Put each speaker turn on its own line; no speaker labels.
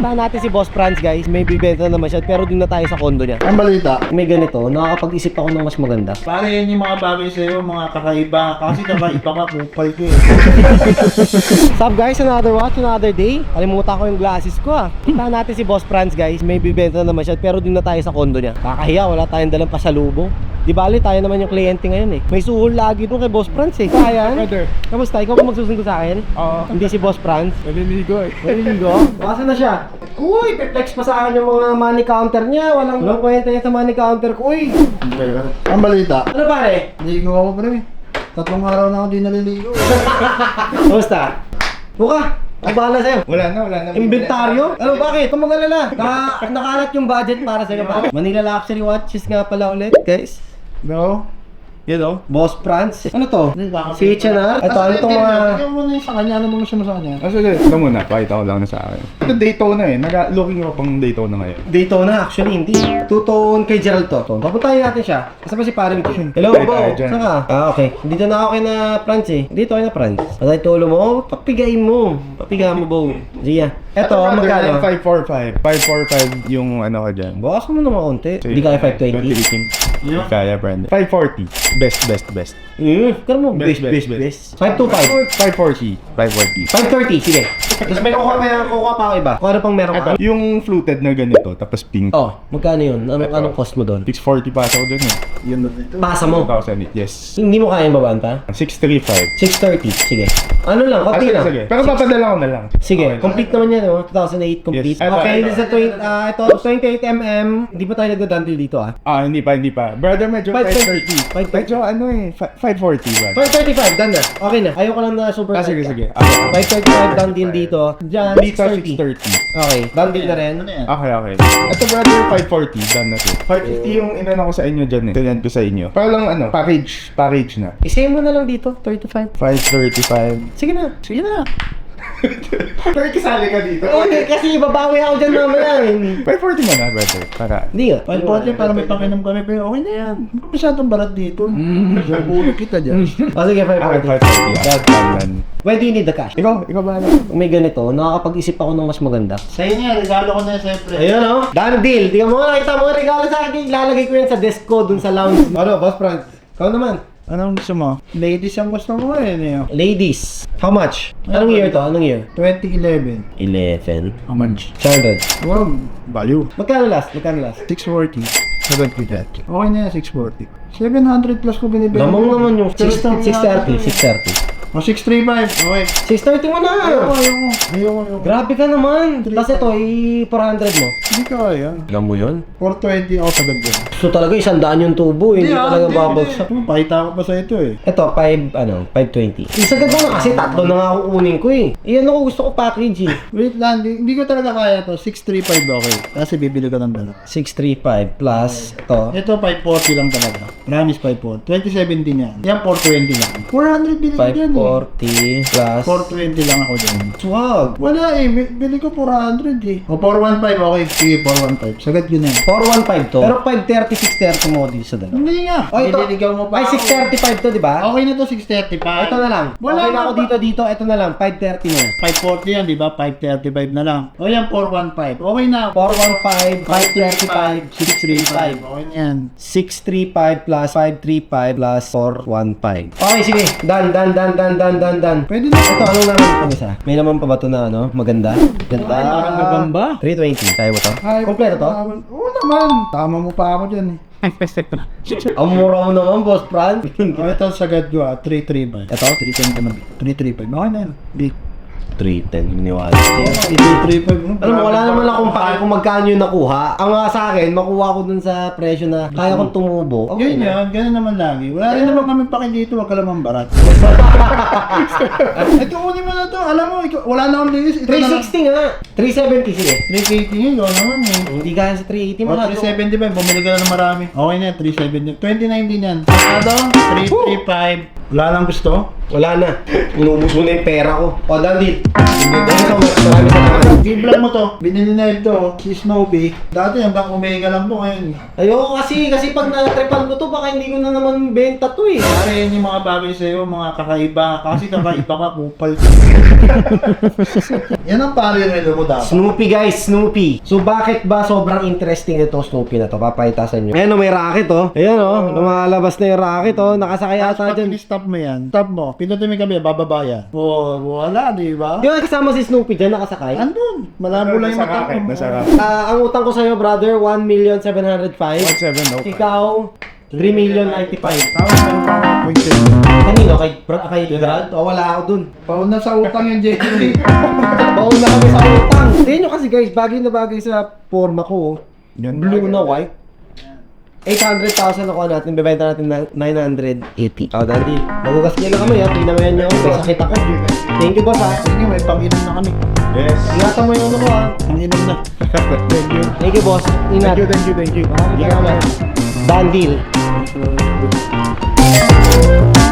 Puntahan natin si Boss Franz, guys. May bibenta naman siya, pero dun na tayo sa condo niya.
Ang balita.
May ganito, nakakapag-isip ako ng mas maganda.
Pare, yan yung mga bagay sa'yo, mga kakaiba. Kasi kakaiba ka, kupal ko eh.
Sup guys, another watch, another day. Kalimutan ko yung glasses ko ah. Puntahan natin si Boss Franz, guys. May bibenta naman siya, pero dun na tayo sa condo niya. Kakahiya, wala tayong dalang pasalubong. Di bali, tayo naman yung kliyente ngayon eh. May suhol lagi dun kay Boss Franz eh. Kaya
Brother.
kamusta? Ikaw ba magsusundo sa akin?
Oo.
Hindi si Boss Franz.
Naliligo eh.
Naliligo? Baka na siya. Uy, pe-flex pa sa akin yung mga money counter niya. Walang kwenta niya sa money counter ko. Uy!
Ang balita.
Ano pare?
Naligo ako pre. 3 araw na ako di naliligo.
Kamusta? Buka! Ang bahala sa'yo.
Wala na.
Inventaryo? Ano, bakit? Kung mag-alala. Nakalat yung budget para sa'yo. Manila Luxury Watches nga pala ulit, guys.
No?
Yan o. Boss Franz. Ano to? Si H&R? Ito, ano itong mga...
Tignan mo na yung sa kanya. Ano mo siya mo sa kanya?
Sige, ito muna. Pakita ko lang na sa akin. Ito Daytona eh. Looking ako pang Daytona ngayon.
Daytona, actually, hindi. Tutuon kay Gerald to. Papuntahin natin siya. Kasama si Paring King. Hello,
Hey,
Bo.
tayo dyan.
Saan ka? Okay. Dito na ako kay na Franz eh. Dito kay na Franz. Patay tulo mo. Papigayin mo. Papigayin mo, Bo. Zia. Ito, magkano?
545. 545 yung ano ka dyan.
Bawas mo naman konti. Hindi kaya 520.
2018. Kaya, Brandon. 540. Best.
Kaya mo.
Best.
525.
540. 540.
530. Sige. Tapos may kukuha pa ako iba. Kung ano pang meron ka?
Yung fluted na ganito, tapos pink.
Oh, magkano yun? Anong cost mo doon?
640 pa ako dun eh.
Yun na dito.
Pasa mo.
2,000. Yes.
Hindi mo kaya babaan pa?
635.
630. Sige. Ano lang, konti lang.
Sige. Pero papadala ko na lang.
Sige, complete naman yan, no? 2008 complete.
Yes.
Okay,
Ito.
this is ito 28mm. Hindi pa tayo nagdadandil dito ah.
Hindi pa. Brother, medyo
530.
530. Medyo ano eh, 540 ba?
535, done na. Okay na. Ayoko lang na super tight
Sige.
ka. 535, done din dito. Diyan,
Dito
630.
630.
Okay, done din na rin.
Ano yan?
Okay. Ito brother, 540. Done na to. 550 yung inano ko sa inyo dyan eh. Tinend ko sa inyo. Para lang ano, package na.
I-save mo na lang dito, 35.
535.
Sige na.
Pero kasali ka dito.
Okay, kasi babawi ako dyan mamaya.
540 mo na brother. Para.
Hindi nga.
540 para may pakinom kami. Pero okay na yan. Hindi ko masyadong barat dito. Ulo kita dyan.
O sige, 540.
540. Done.
When do you need the cash?
Ikaw ba?
Kung may ganito, nakakapag-isip ako ng mas maganda.
Sa'yo niya, regalo ko na siyempre.
Ayun o. Done deal. Tingnan mo, nakita mo regalo sa akin. Ilalagay ko yan sa desk ko dun sa lounge. Ano, Boss Franz? Ikaw naman.
Anong gusto mo? Ladies ang gusto mo eh. Ano yun?
Ladies. How much? Anong year to? Anong year?
2011.
11.
How much?
600.
Wow, value.
Magkano last?
640. 750. Okay na yan, 640. 700 plus ko binibenta.
Lamang naman yung 630. 630.
O, 635. Okay.
630 mo na.
Ayoko.
Grabe ka naman. Tapos ito, 400 mo.
Hindi ka kaya.
Alam mo yun?
420 ako sagad yan.
So talaga 100 yung tubo. Hindi talaga babagsak.
Pakita ko pa sa ito eh.
Ito, 520. Isagad mo na kasi tatlo na nga ako kunin ko eh. Iyan ako gusto ko package eh.
Wait lang, hindi ko talaga kaya to. 635 okay. Kasi bibili ko ng dalawa.
635 plus ito.
Ito 540 lang talaga. Promise 540. 2017 yan. Yan 420 lang. 400 bili ko dyan eh.
540 plus
420 lang ako dyan.
swag.
Wala eh. Bili ko 400 eh. O 415 okay. Sige 415. Sagad yun eh.
415 to. Pero 530, 630 mo dito sa dalawa.
Hindi nga.
Oh, ito.
Nililigaw mo pa
Ay,
ako.
635 to, di ba?
Okay na to 635.
Ito na lang.
Wala
Okay na
nga
ako
ba?
dito. Ito na lang. 530 na.
540 yan, di ba? 535 na lang. O yan, 415. Okay na.
415, 535, 635.
Okay na yan.
635 plus 535 plus 415. Okay, sige. Done.
Pwede na.
Ito, anong naman ito isa? May naman pa ba ito na ano? Maganda? Ganda.
Parang gagamba.
320. Kaya mo to? Kompleto to?
Oo naman. Tama mo pa ako dyan eh.
Ang mura mo naman, Boss Franz.
Ito sagad ko 335.
Ito?
310 naman. 335. Okay na yan. Big.
310. Miniwala.
335.
Alam mo, wala naman akong pake kung magkano yung nakuha. Ang nga sa akin, makuha ko dun sa presyo na kaya kong tumubo. Okay
Yun
na.
yan, ganun naman lagi. Wala rin naman kami paki dito, wag ka lamang barat. Ito kunin mo na to, alam mo, wala na akong linis. Ito na lang.
360 nga. 370, sige.
380 yun, yun naman eh.
Hindi kaya sa 380 mo
O,
na.
375, bumili ka na ng marami. Okay na, 370. 2019 yan. Ano? 335. Wala lang gusto?
Wala na. Inubos mo na yung pera ko. O, Dandit. Marami salamat.
Biblan mo to. Binili na ito, si Snowbee. Dati hanggang Omega lang to ngayon.
Ayoko kasi pag na-tripan ko to, baka hindi ko na naman benta to eh.
Pare, yan yung mga bagay sa'yo, mga kakaiba. iba. Kasi kakaiba ka, kupal. Yan ang pare relo mo dapat.
Snoopy guys, Snoopy. So bakit ba sobrang interesting ito Snoopy na to? Papakita sa inyo. Ayan o, may racket oh. Ayan o, lumalabas na yung racket oh. Nakasakay ata
Pag
dyan.
stop mo yan, stop mo. Pinutin mo yung gabi, bababa yan. Oh, wala, di ba?
Di ba kasama si Snoopy dyan nakasakay?
Andun, malabo lang yung mata ko.
Nasa racket.
Ang utang ko sa'yo brother, 1,705,000.
1,705.
Ikaw, 3,095,000.
Tama na yung pang point
Kanino? Kay Gerald? O wala ako dun.
Pauna sa utang yung Jerry.
Baon na kami sa utang. Tingnan nyo kasi guys, bagay na bagay sa forma ko. Oh.
Yan.
Blue na white. 800,000 nakuha natin, bebenta natin na 980. Oh, Dandy, magugas niya lang kami ha. Tingnan mo yan nyo, may sakit ako. Thank you boss ha.
Sige, may pang-inom na kami.
Yes.
Ingatan mo yung ano ko ha.
Pang-inom na.
Thank you.
Thank you boss. Ingat.
Thank you.
Maraming salamat. Done deal.